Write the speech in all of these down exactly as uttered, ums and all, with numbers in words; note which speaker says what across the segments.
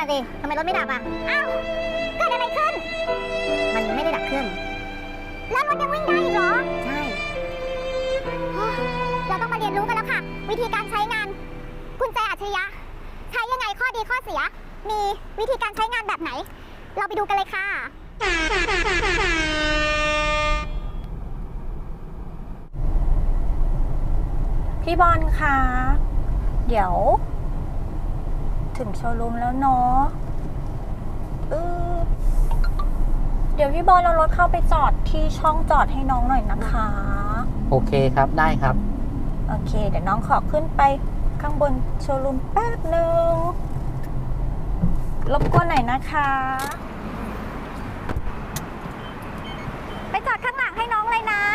Speaker 1: สิทำไมรถไม่ดับอ่ะอ้าวเกิดอะไรขึ้นมันไม่ได้ดับเครื่องแล้วรถยังวิ่งได้อีกเหรอใช่เราต้องมาเรียนรู้กันแล้วค่ะวิธีการใช้งานกุญแจอัจฉริยะใช้ยังไงข้อดีข้อเสียมีวิธีการใช้งานแบบไหนเราไปดูกันเลยค่ะ
Speaker 2: พี่บอลคะเดี๋ยวถึงโชว์รูมแล้วเนาะเออเดี๋ยวพี่บอลเอารถเข้าไปจอดที่ช่องจอดให้น้องหน่อยนะคะ
Speaker 3: โอเคครับได้ครับ
Speaker 2: โอเคเดี๋ยวน้องขอขึ้นไปข้างบนโชว์รูมแป๊บนึงรบกวนหน่อยนะคะไปจอดข้างหลังให้น้องเลยนะ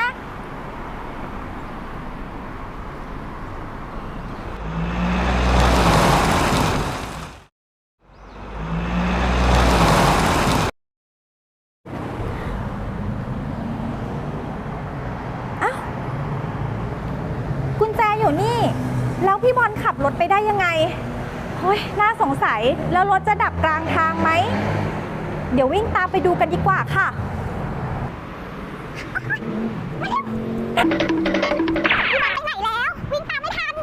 Speaker 2: กุญแจอยู่นี่แล้วพี่บอลขับรถไปได้ยังไงเฮ้ยน่าสงสัยแล้วรถจะดับกลางทางไหมเดี๋ยววิ่งตามไปดูกันดีกว่าค่ะ
Speaker 1: พี่บอลไปไหนแล้ววิ่งตามไม่ทัน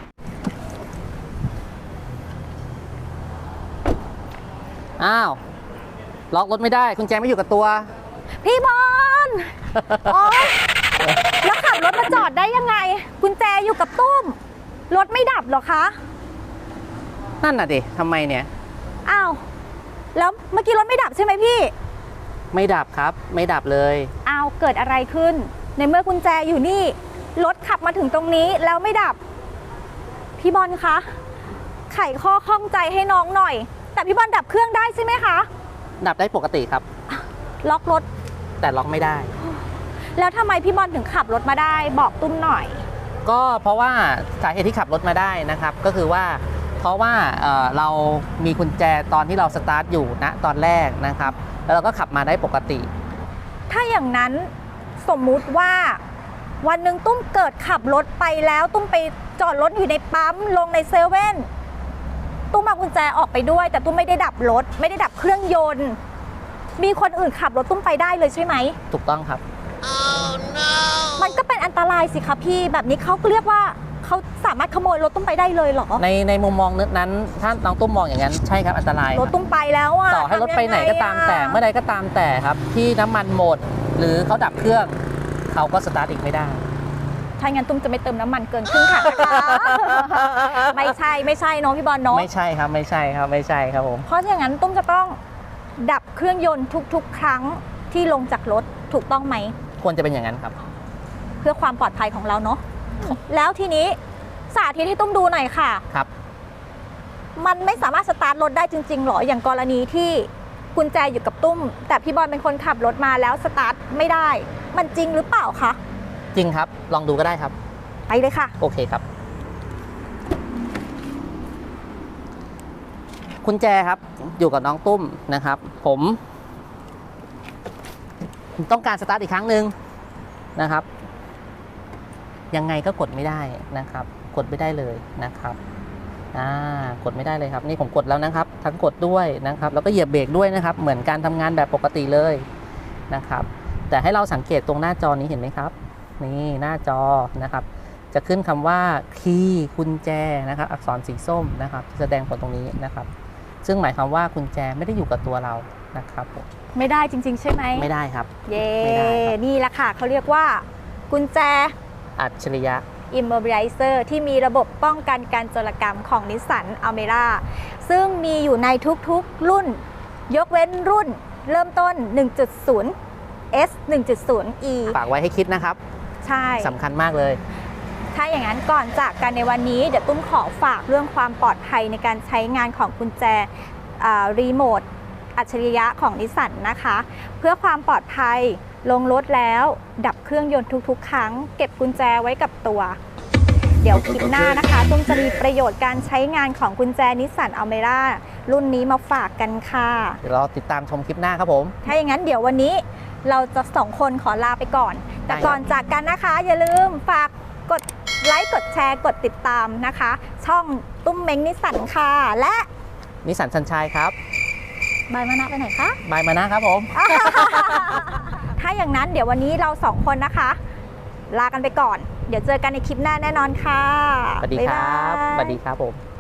Speaker 3: อ้าวล็อกรถไม่ได้กุญแจไม่อยู่กับตัว
Speaker 2: พี่บอลโอ๊ยแล้วขับรถมาจอดได้ยังไงกุญแจอยู่กับตุ้มรถไม่ดับเหรอคะ
Speaker 3: นั่นน่ะดิทำไมเนี่ย
Speaker 2: อ้าวแล้วเมื่อกี้รถไม่ดับใช่ไหมพี่
Speaker 3: ไม่ดับครับไม่ดับเลย
Speaker 2: อ้าวเกิดอะไรขึ้นในเมื่อกุญแจอยู่นี่รถขับมาถึงตรงนี้แล้วไม่ดับพี่บอลคะไขข้อข้องใจให้น้องหน่อยแต่พี่บอลดับเครื่องได้ใช่ไหมคะ
Speaker 3: ดับได้ปกติครับ
Speaker 2: ล็อกรถ
Speaker 3: แต่ล็อกไม่ได้
Speaker 2: แล้วทำไมพี่บอลถึงขับรถมาได้บอกตุ้มหน่อย
Speaker 3: ก็เพราะว่าสาเหตุที่ขับรถมาได้นะครับก็คือว่าเพราะว่า เ, เรามีกุญแจตอนที่เราสตาร์ทอยู่ณตอนแรกนะครับแล้วเราก็ขับมาได้ปกติ
Speaker 2: ถ้าอย่างนั้นสมมุติว่าวันหนึ่งตุ้มเกิดขับรถไปแล้วตุ้มไปจอดรถอยู่ในปั๊มลงในเซเว่นตุ้มเอากุญแจออกไปด้วยแต่ตุ้มไม่ได้ดับรถไม่ได้ดับเครื่องยนต์มีคนอื่นขับรถตุ้มไปได้เลยใช่ไหม
Speaker 3: ถูกต้องครับ
Speaker 2: oh, no. มันก็เป็นอันตรายสิคะพี่แบบนี้เขาเรียกว่าเขาสามารถขโมยรถตุ้มไปได้เลยเหรอ
Speaker 3: ในในมุมมองนั้นถ้าน้องตุ้มมองอย่างนั้นใช่ครับอันตราย
Speaker 2: รถตุ้มไปแล้วอะ
Speaker 3: ต่อให้รถไปไหนก็ตามแต่เมื่อใดก็ตามแต่ครับที่น้ำมันหมดหรือเขาดับเครื่องเขาก็สตาร์ทอีกไม่ได้
Speaker 2: ถ้างั้นตุ้มจะไม่เติมน้ำมันเกินครึ่งถังนะคะไม่ใช่ไม่ใช่น้องพี่บอลเนาะ
Speaker 3: ไม่ใช่ครับไม่ใช่ครับไม่ใช่ครับผม
Speaker 2: เพราะอย่างนั้นตุ้มจะต้องดับเครื่องยนต์ทุกๆครั้งที่ลงจากรถถูกต้องไหม
Speaker 3: ควรจะเป็นอย่างนั้นครับ
Speaker 2: เพื่อความปลอดภัยของเราเนาะแล้วทีนี้สาธิตให้ตุ้มดูหน่อยค่ะ
Speaker 3: ครับ
Speaker 2: มันไม่สามารถสตาร์ทรถได้จริงๆหรออย่างกรณีที่กุญแจอยู่กับตุ้มแต่พี่บอลเป็นคนขับรถมาแล้วสตาร์ทไม่ได้มันจริงหรือเปล่าคะ
Speaker 3: จริงครับลองดูก็ได้ครับ
Speaker 2: ไปเลยค่ะ
Speaker 3: โอเคครับกุญแจครับอยู่กับน้องตุ้มนะครับผมต้องการสตาร์ทอีกครั้งหนึ่งนะครับยังไงก็กดไม่ได้นะครับกดไม่ได้เลยนะครับอ่ากดไม่ได้เลยครับนี่ผมกดแล้วนะครับทั้งกดด้วยนะครับแล้วก็เหยียบเบรกด้วยนะครับเหมือนการทำงานแบบปกติเลยนะครับแต่ให้เราสังเกตตรงหน้าจอนี้เห็นไหมครับนี่หน้าจอนะครับจะขึ้นคำว่าคีย์กุญแจนะครับอักษรสีส้มนะครับแสดงผลตรงนี้นะครับซึ่งหมายความว่ากุญแจไม่ได้อยู่กับตัวเรานะครับ
Speaker 2: ไม่ได้จริงๆใช่ไหม
Speaker 3: ไม่ได้ครับ
Speaker 2: เย่นี่แหละค่ะเขาเรียกว่ากุญแจ
Speaker 3: อัจฉริยะ
Speaker 2: Immobilizer ที่มีระบบป้องกันการโจรกรรมของ Nissan Almera ซึ่งมีอยู่ในทุกๆรุ่นยกเว้นรุ่นเริ่มต้น หนึ่งจุดศูนย์ เอส หนึ่งจุดศูนย์ อี
Speaker 3: ฝากไว้ให้คิดนะครับ
Speaker 2: ใช่
Speaker 3: สำคัญมากเลย
Speaker 2: ถ้าอย่างนั้นก่อนจากกันในวันนี้เดี๋ยวตุ้มขอฝากเรื่องความปลอดภัยในการใช้งานของกุญแจรีโมทอัจฉริยะของนิสสันนะคะเพื่อความปลอดภัยลงรถแล้วดับเครื่องยนต์ทุกๆครั้งเก็บกุญแจไว้กับตัวเดี๋ยวคลิปหน้านะคะตุ้มจะมีประโยชน์การใช้งานของกุญแจนิสสันอัลเมร่ารุ่นนี้มาฝากกันค่ะ
Speaker 3: เดี๋ยวเราติดตามชมคลิปหน้าครับผม
Speaker 2: ถ้าอย่างนั้นเดี๋ยววันนี้เราจะสองคนขอลาไปก่อนแต่ก่อนจากกันนะคะอย่าลืมฝากกดไลค์กดแชร์กดติดตามนะคะช่องตุ้มเม้งนิสสันค่ะและ
Speaker 3: นิสสันซันชัยครับ
Speaker 2: บายมานะไปไหนคะ
Speaker 3: บายมานะครับผม
Speaker 2: ถ้าอย่างนั้นเดี๋ยววันนี้เราสองคนนะคะ ลากันไปก่อน เดี๋ยวเจอกันในคลิปหน้าแน่นอนค่ะ
Speaker 3: สวัสดีครับ
Speaker 2: ายาย
Speaker 3: สวัสดีครับผม